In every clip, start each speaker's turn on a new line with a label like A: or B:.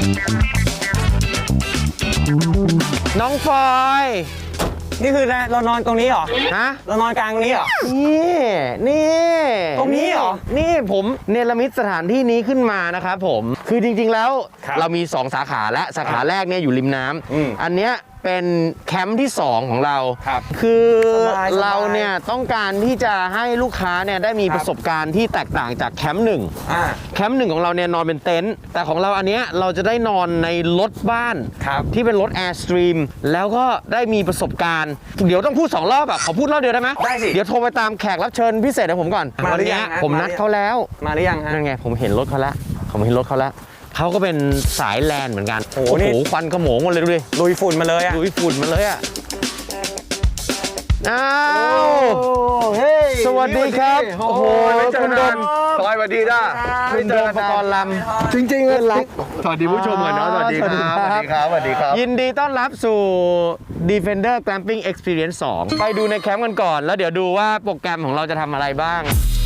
A: น้องฟอย
B: นี่คือเรานอนตรงนี้เหรอ
A: ฮะ
B: เรานอนกลางตรงนี้เหรอ
A: นี่
B: ตรงนี้เหรอ
A: นี่ผมเนรมิตสถานที่นี้ขึ้นมานะครับผมคือจริงๆแล้ว
B: ครับ
A: เรามี2สาขาและสาขาแรกเนี่ยอยู่ริมน้ำอันเนี้ยเป็นแคมป์ที่2ของเรา
B: ครับ
A: คือ
B: สบายๆ
A: เราเนี่ยต้องการที่จะให้ลูกค้าเนี่ยได้มีประสบการณ์ที่แตกต่างจากแคมป์หนึ่ง แคมป์หนึ่งของเราเนี่ยนอนเป็นเต็นท์แต่ของเราอันเนี้ยเราจะได้นอนในรถบ้าน
B: ครับ
A: ที่เป็นรถ Airstream แล้วก็ได้มีประสบการณ์ เดี๋ยวต้องพูด2รอบแบบขอพูดรอบเดียวได้ไหม
B: ได้สิ
A: เดี๋ยวโทรไปตามแขกรับเชิญพิเศษของผมก่อน
B: มา
A: วัน
B: หรือยั
A: นี้
B: งฮะ
A: ผมนัดเขาแล้ว
B: มาหรือยังฮะ
A: นั่นไงผมเห็นรถเขาแล้วเขาก็เป็นสายแลนด์เหมือนกัน
B: โอ้โหนี่
A: ควันขโมงหมดเลยดูดิ
B: ลุยฝุ่นมาเลยอะ
A: ลุยฝุ่นมาเลยอ่ะอ้าว
B: เฮ้ย
A: สวัสดีครับโอ้โหคุณโดม
C: ซอยสวัสดีจ้า
A: คุณโดมปกรณ์ลำ
C: จริงๆเลย
A: รัก
C: สวัสดีผู้ชมก่อนเนาะสวัสดีครับสวัสดีครับสวัสดีครับ
A: ยินดีต้อนรับสู่ Defender Glamping Experience 2 ไปดูในแคมป์กันก่อน แล้วเดี๋ยวดูว่าโปรแกรมของเราจะทำอะไรบ้าง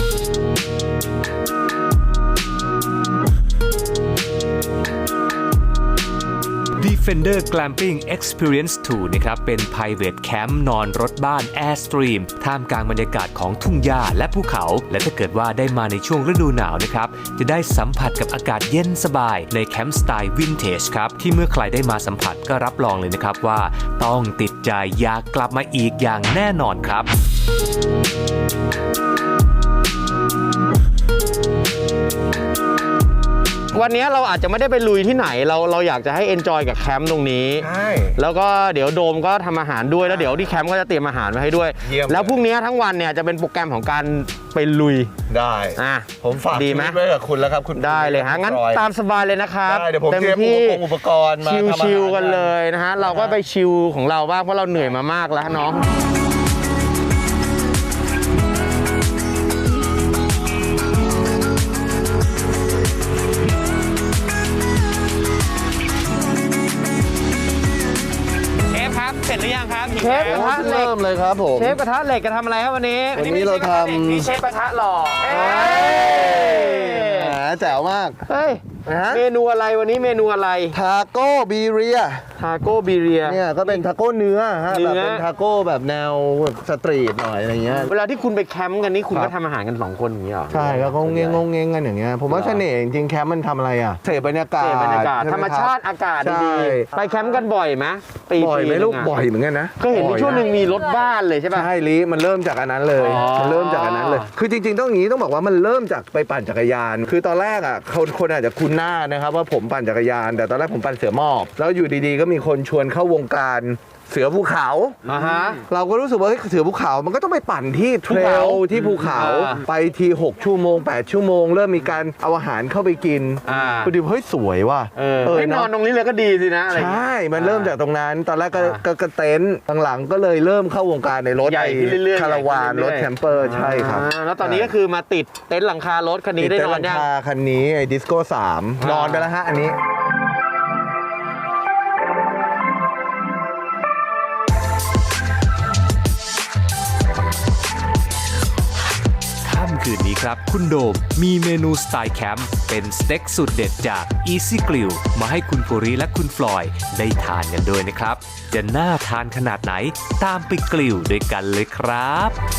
D: Defender Glamping Experience 2 นะครับ เป็น Private Camp นอนรถบ้าน Airstream ท่ามกลางบรรยากาศของทุ่งหญ้าและภูเขา และถ้าเกิดว่าได้มาในช่วงฤดูหนาวนะครับ จะได้สัมผัสกับอากาศเย็นสบายในแคมป์สไตล์วินเทจครับ ที่เมื่อใครได้มาสัมผัสก็รับรองเลยนะครับว่าต้องติดใจอยากกลับมาอีกอย่างแน่นอนครับ
A: วันนี้เราอาจจะไม่ได้ไปลุยที่ไหนเราอยากจะให้ enjoy กับแคมป์ตรงนี้
C: ใช่
A: แล้วก็เดี๋ยวโดมก็ทำอาหารด้วยแล้วเดี๋ยวที่แคมป์ก็จะเตรียมอาหารไว้ให้ด้วย
C: เยี่ยม
A: แล้วพรุ่งนี้ทั้งวันเนี่ยจะเป็นโปรแกรมของการไปลุย
C: ได้
A: อ่ะ
C: ผมฝาก
A: ดี
C: ชี
A: ไหม
C: วิตไว้กับคุณแล้วครับคุณ
A: ได้เลยฮะงั้น
C: รอย
A: ตามสบายเลยนะครับ
C: ได้เดี๋ยวผมเตรียมอุปกรณ์มาทำอาหาร
A: ชิลๆกันเลยนะฮะเราก็ไปชิลของเราบ้างเพราะเราเหนื่อยมามากแล้วน้องเชฟครับเสร็จหรือยังครับเชฟกระทะเหล็ก
C: เริ่มเลยครับผม
A: เชฟกระทะเหล็กจะทำอะไรครับวันนี้
C: วันนี้เราทำ
A: นี่เชฟกระทะหล่อ
C: แหมแจ๋วมาก
A: เฮ้ย
C: นะฮะ
A: เมนูอะไรวันนี้เมนูอะไร
C: ทาโก้บีเรีย
A: ทาโก้บีเรีย
C: เนี่ยก็เป็นทาโก้เนื้อฮะ
A: เนื้
C: แบ
A: อ
C: บเป็นทาโก้แบบแนวสตรีทหน่อยอะไรเงี้ย
A: เวลาที่คุณไปแคมป์กันนี่คุณ
C: ครั
A: ก็
C: บ
A: ทำอาหารกัน2คนอย่างนี้เหรอ
C: ใช่ก็งงเงงงงเงงกันอย่างเงี้ยผมว่าเสน่ห์จริงๆแคมป์มันทำอะไรอ่ะเสพบรรยากาศ
A: เสพบรรยากาศ
C: ใช่ไห
A: ธรรมชาติอากาศ
C: ใช่
A: ดีๆไปแคมป์กันบ่อยไหมปี
C: บ่อยไหม
A: นึง
C: ลูก
A: อะ
C: บ่อยเหมือนกันนะ
A: ก็เห็นมีช่วงหนึ่งมีรถบ้านเลยใช่ป่ะ
C: ใช่ลิมันเริ่มจากอันนั้นเลย
A: อ๋อ
C: มันเริ่มจากอันนั้นเลย คือจริงๆต้องอย่างนี้ต้องบอกว่ามันเริ่มจากไปปั่นจักรยาน คือตอนแรกอ่ะคนอาจจะคุ้นหน้านะครับว่าผมปั่นจักรยาน แต่ตอนแรกผมปั่นเสือหมอบแล้วอยู่ดีๆก็มีคนชวนเข้าวงการเสือภูเขา
A: ฮะ
C: เราก็รู้สึกว่าเฮ้ยเสือภูเขามันก็ต้องไปปั่นที่เทรลที่ภูเขา
A: อ่า
C: ไปที6 ชั่วโมง 8 ชั่วโมง เริ่มมีการเอาอาหารเข้าไปกิน พอดีเฮ้ยสวยว่ะ
A: ให้นอนตรงนี้เลยก็ดีสินะอะไรอย่าง
C: ใช่
A: เงี้ย
C: มันเริ่มจากตรงนั้น ตอนแรกก็เต็นท์หลังๆก็เลยเริ่มเข้าวงการในรถ
A: ใหญ่ขึ้นเรื่อยๆ
C: คาราวาน
A: ใหญ่
C: ร
A: ขึ้น
C: ถ
A: เรื่อยๆ
C: แคมเปอร์ใช่ครับ
A: แล้วตอนนี้ก็คือมาติดเต็นท์หลังคารถคันนี้ได้นอน
C: ติดเต็ท์หลั
A: ยัง
C: คาคันนี้ไอ้ดิสโก้3นอนไปแล้วฮะอันนี้
D: ค่ำคืนนี้ครับ คุณโดมมีเมนูสไตล์แคมป์เป็นสเต็กสุดเด็ดจาก Easy Grill มาให้คุณปุริและคุณฟลอยด์ได้ทานกันด้วยนะครับ จะน่าทานขนาดไหนตามไปกลิวด้วยกันเลยครับ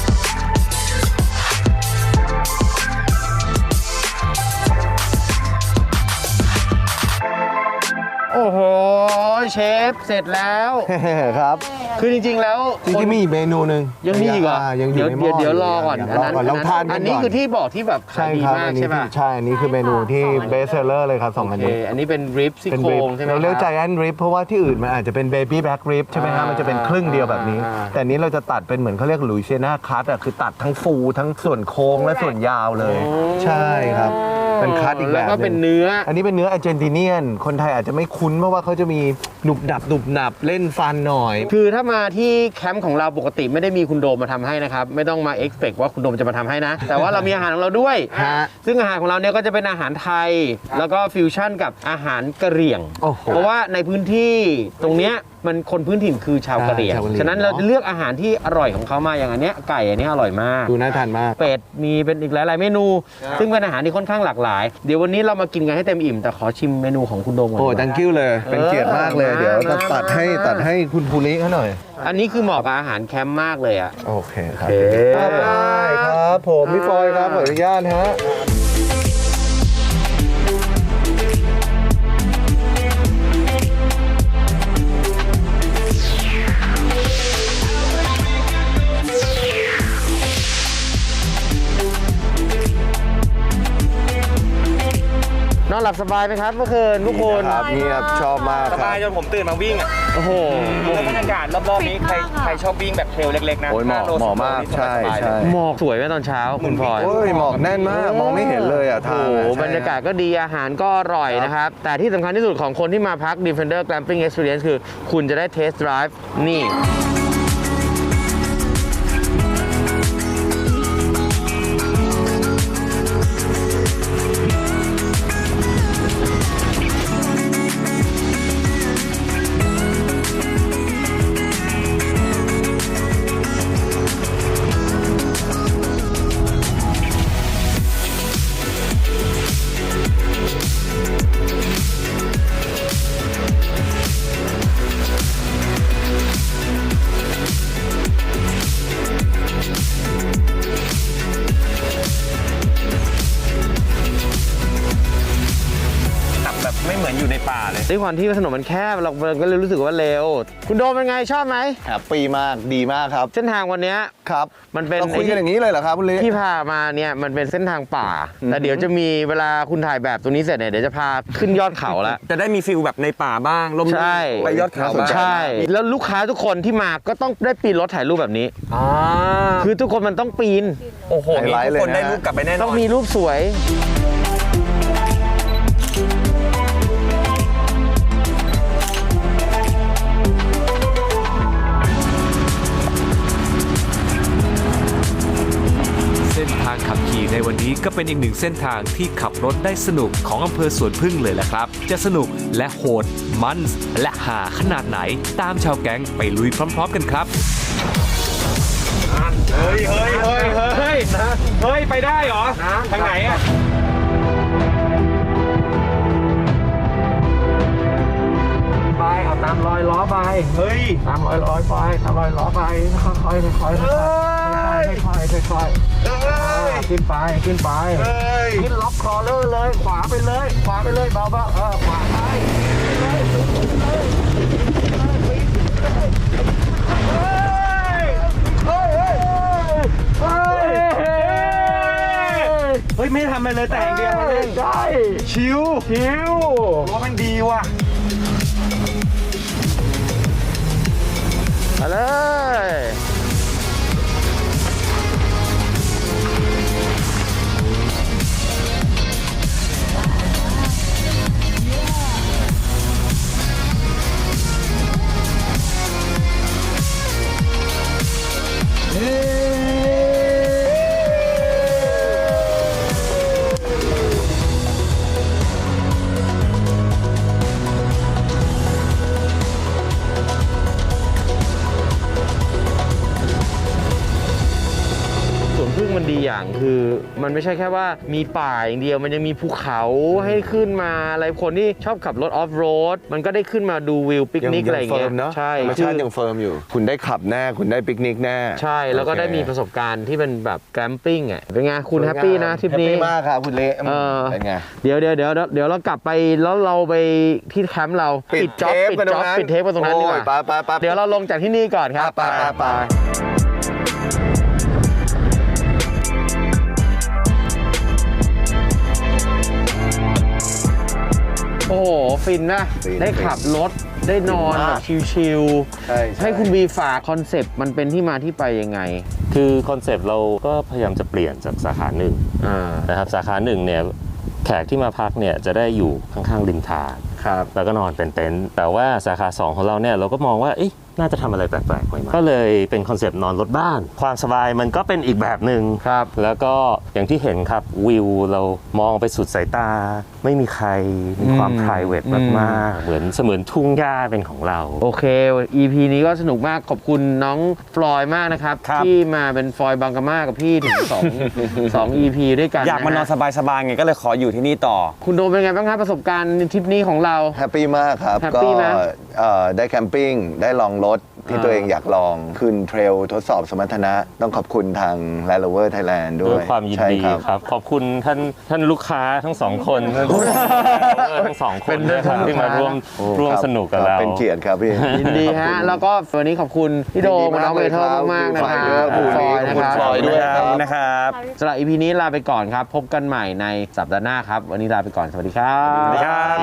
A: โอ้โหเชฟเสร็จแล้ว
C: ครับ
A: คือจริงๆแล้ว
C: จริงๆมีอีกเมนูหนึ่ง
A: ยังมีอีกเหรอ
C: ยังอยู่ในหม้อ
A: เดี๋ยวรอก่อน
C: ยังรอก่อนลองทานกั
A: อั
C: น
A: น
C: ก่
A: นี้
C: อน
A: คือที่บอกที่แบบขา
C: ใช่
A: ยดี
C: ครับ
A: มาก
C: อันนี้
A: ใช่ป่ะ
C: ใช่อันนี้คือเมนูที่เบสเซอร์เลยครับ2 อัน
A: โอเค
C: นี้
A: อันนี้เป็นริบซี่
C: เป็น
A: โคร
C: ริบ
A: งใช่ไหม
C: เราเรียก
A: ค
C: ใจ
A: บ
C: แอนริบเพราะว่าที่อื่นมันอาจจะเป็นเบบี้แบ็กริบใช่ไหมฮะมันจะเป็นครึ่งเดียวแบบนี้ แต่อันนี้เราจะตัดเป็นเหมือนเขาเรียกลุยเซียนาคัตอ่ะคือตัดทั้งฟูทั้งส่วนโค้งและส่วนยาวเลย ใช่ครับเป็นคัตอีกแบบ
A: แล้วก็
C: ห
A: เป็น
C: ง
A: เนื้อ
C: อันนี้เป็นเนื้ออาร์เจนติเนียนคนไทยอาจจะไม่คุ้นเพราะว่าเขาจะมีหนุบดับหนุบหนับเล่นฟันหน่อย
A: คือถ้ามาที่แคมป์ของเราปกติไม่ได้มีคุณโดมมาทำให้นะครับไม่ต้องมา expect ว่าคุณโดมจะมาทำให้นะ แต่ว่าเรามีอาหารของเราด้วย
C: ฮะ
A: ซึ่งอาหารของเราเนี่ยก็จะเป็นอาหารไทย แล้วก็ฟิวชั่นกับอาหารกะเหรี่ยง
C: โอ้โห
A: เพราะว่าในพื้นที่ตรงเนี้ยมันคนพื้นถิ่นคือชาวกะเหรี่ยง
C: ใช่ชาวกะเหรี่ยง
A: ฉะนั้นเราจะเลือกอาหารที่อร่อยของเขามาอย่างอันเนี้ยไก่อันนี้อร่อยมาก
C: ดูน่าทานมาก
A: เป็ดมีเป็นอีกหลาย ๆ เมนู ซึ่งเป็นอาหารที่ค่อนข้างหลากหลาย เดี๋ยววันนี้เรามากินกันให้เต็มอิ่มแต่ขอชิมเมนูของคุณโดมก่อน
C: โอ้
A: ดีกว่า
C: ดังกิ้วเลย เป็นเกียรติมากเลย
A: เออ
C: เดี๋ยวจะ
A: มา
C: ตัดให้คุณภูริเขาหน่อย
A: อันนี้คือเหมาะกับอาหารแคมป์มากเลยอ่ะ
C: โอเคครับ
A: โอเค
C: ได้ครับผมพี่ฟอยครับขออนุญาตฮะ
A: นอนหลับสบายไหมครับเมื่อคืนทุกคน
C: ครับเงียบชอบมาก
B: ส
C: ครับ
B: บายจนผมตื่นมาวิ่งอ่ะ
A: โอ้โห
B: แล้วบรรยากาศรอบๆนี้ใครชอบวิ่งแบบเทรลเล็กๆนะ
C: โอ้ยเหมาะ
B: 5โล
C: เหมาะมาก
B: 10โลนี่
C: ใช่
B: สบายๆ
C: ใช่
B: เลย
A: หมอกสวยไหมตอนเช้าคุณพลอย
C: โอ้ยหมอกแน่นมาก มองไม่เห็นเลยอ่ะ
A: โอ้
C: ทาง
A: โห
C: อะใช่
A: บรรยากาศก็ดีอาหารก็อร่อยนะครับ แต่ที่สำคัญที่สุดของคนที่มาพัก Defender Glamping Experience คือคุณจะได้ Test Drive นี่
B: ขับแบบไม่เหมือนอยู่ในป่าเลย
A: ด้วยความที่ถนนมันแคบเราก็เลยรู้สึกว่าเร็ว คุณโดมเป็นไงชอบไหม
C: แฮปปี้มากดีมากครับ
A: เส้นทางวันเนี้ย
C: ครับ
A: มันเป็น
C: เราคุยกันอย่างนี้เลยเหรอครับคุณลิ
A: ที่พามาเนี่ยมันเป็นเส้นทางป่า แต่เดี๋ยวจะมีเวลาคุณถ่ายแบบตรงนี้เสร็จเนี่ยเดี๋ยวจะพาขึ้นยอดเขาแล้ว
B: จะได้มีฟิลแบบในป่าบ้างลม
A: ใช่
B: ไปยอดเขาบ้าง
A: ใช่ แล้วลูกค้าทุกคนที่มาก็ต้องได้ปีนรถถ่ายรูปแบบนี้
B: อ่า
A: คือทุกคนมันต้องปีน
B: โอ้โห
C: ไฮไลท์
B: ทุกคน
C: เลยนะ
B: ได้รูปกลับไปแน่นอน
A: ต้องมีรูปสวย
D: เส้นทางขับขี่ในวันนี้ก็เป็นอีกหนึ่งเส้นทางที่ขับรถได้สนุกของอำเภอสวนพึ่งเลยแหละครับ จะสนุกและโหดมันและหาขนาดไหนตามชาวแก๊งไปลุยพร้อมๆกันครับ
B: เฮ้ยไปได้เหรอทางไหนอ่ะไปเอาตามรอยล้อไปเฮ้ยตามรอยล้อไปตามรอยล้อไปค่อยๆค่อยๆค่อยๆขึ้นไปขึ้นล็อกคอเลยขวาไปเลยเบาๆขวาไปเฮ้ยไม่ทำอะไรเลยแต่งเดียวมาเล่นได้ชิวว่ามันดีว่ะ
A: มาเลย สวนพึ่งมันดีอย่างคือมันไม่ใช่แค่ว่ามีป่าอย่างเดียวมันยังมีภูเขาให้ขึ้นมาอะไรคนที่ชอบขับรถออฟโรดมันก็ได้ขึ้นมาดูวิวปิกนิกอะไรอย่างเงี้ย
C: ใช่ธรรมชาติยังเฟิร์มอยู่ คุณได้ขับแน่คุณได้ปิกนิกแน่
A: ใช่แล้วก็ได้มีประสบการณ์ที่เป็นแบบแกมปิ้งอ่ะเป็นไงคุณแฮปปี้นะทริปนี้
C: แฮปปี้มากครับคุณเละ เป็นไง
A: เดี๋ยวเรากลับไปแล้วเราไปที่แคมป์เราปิดเทปกันตรงนั้นดีกว่า
C: ไป
A: เดี๋ยวเราลงจากที่นี่ก่อนครับ
C: ไป
A: โอ้โหฟินนะ
C: ฟิน
A: ได้ขับรถได้นอนแบบชิล
C: ใช่
A: ๆให้คุณบีฝากคอนเซปต์มันเป็นที่มาที่ไปยังไง
E: คือคอนเซปต์เราก็พยายามจะเปลี่ยนจากสาขาหนึ่ง
A: อ่า
E: นะครับสาขาหนึ่งเนี่ยแขกที่มาพักเนี่ยจะได้อยู่ข้างๆริมทาง
A: ครับ
E: แล้วก็นอนเป็นเต็นท์แต่ว่าสาขา 2 ของเราเนี่ยเราก็มองว่าน่าจะทำอะไรแปลกๆใหม่ๆก็เลยเป็นคอนเซปต์นอนรถบ้าน ความสบายมันก็เป็นอีกแบบหนึ่ง
A: ครับ
E: แล้วก็อย่างที่เห็นครับวิวเรามองไปสุดสายตา ไม่มีใครมีความ private มากๆเหมือนเสมือนทุ่งหญ้าเป็นของเรา
A: โอเค EP นี้ก็สนุกมากขอบคุณน้องฟลอยมากนะครับ
B: ครับ
A: ที่มาเป็นฟลอยบางกะมากับพี่ถึง2 EP ด้วยกัน
B: อยากมานอน
A: ฮะ
B: สบายๆไงก็เลยขออยู่ที่นี่ต่อ
A: คุณโดมเป็นไงบ้างครับประสบการณ์ทริปนี้ของเรา
C: แฮปปี้มากครับ
A: แฮป
C: ก็
A: ปี้ไหม
C: ได้แคมปิ้งได้ลองรถที่ตัวเองอยากลองขึ้นเทรลทดสอบสมรรถนะ ต้องขอบคุณทาง Land Rover Thailand ด้
E: ด้
C: ว
E: วย ยความยิน
C: ใช่
E: ดี
C: ครับ
E: ครับ ขอบคุณท่านลูกค้าทั้งสองคนทั้งสองคนนะครับที่มาร่วมสนุกกับเรา
C: เป็นเกียรติครับพี่
A: ยินดีฮะ แล้วก็วันนี้ขอบคุณพี่โดมกับน้องเบเทอร์มากๆนะครับ
C: คุณฟลอย
A: นะ
C: คุ
A: ค
C: ณ
A: รับ
C: ฟลอยด้วยครับ
B: นะครับ
A: สำหรับ EP นี้ลาไปก่อนครับ พบกันใหม่ในสัปดาห์หน้าครับ วันนี้ลาไปก่อนสวัสดีครับ
B: สวัสดีครับ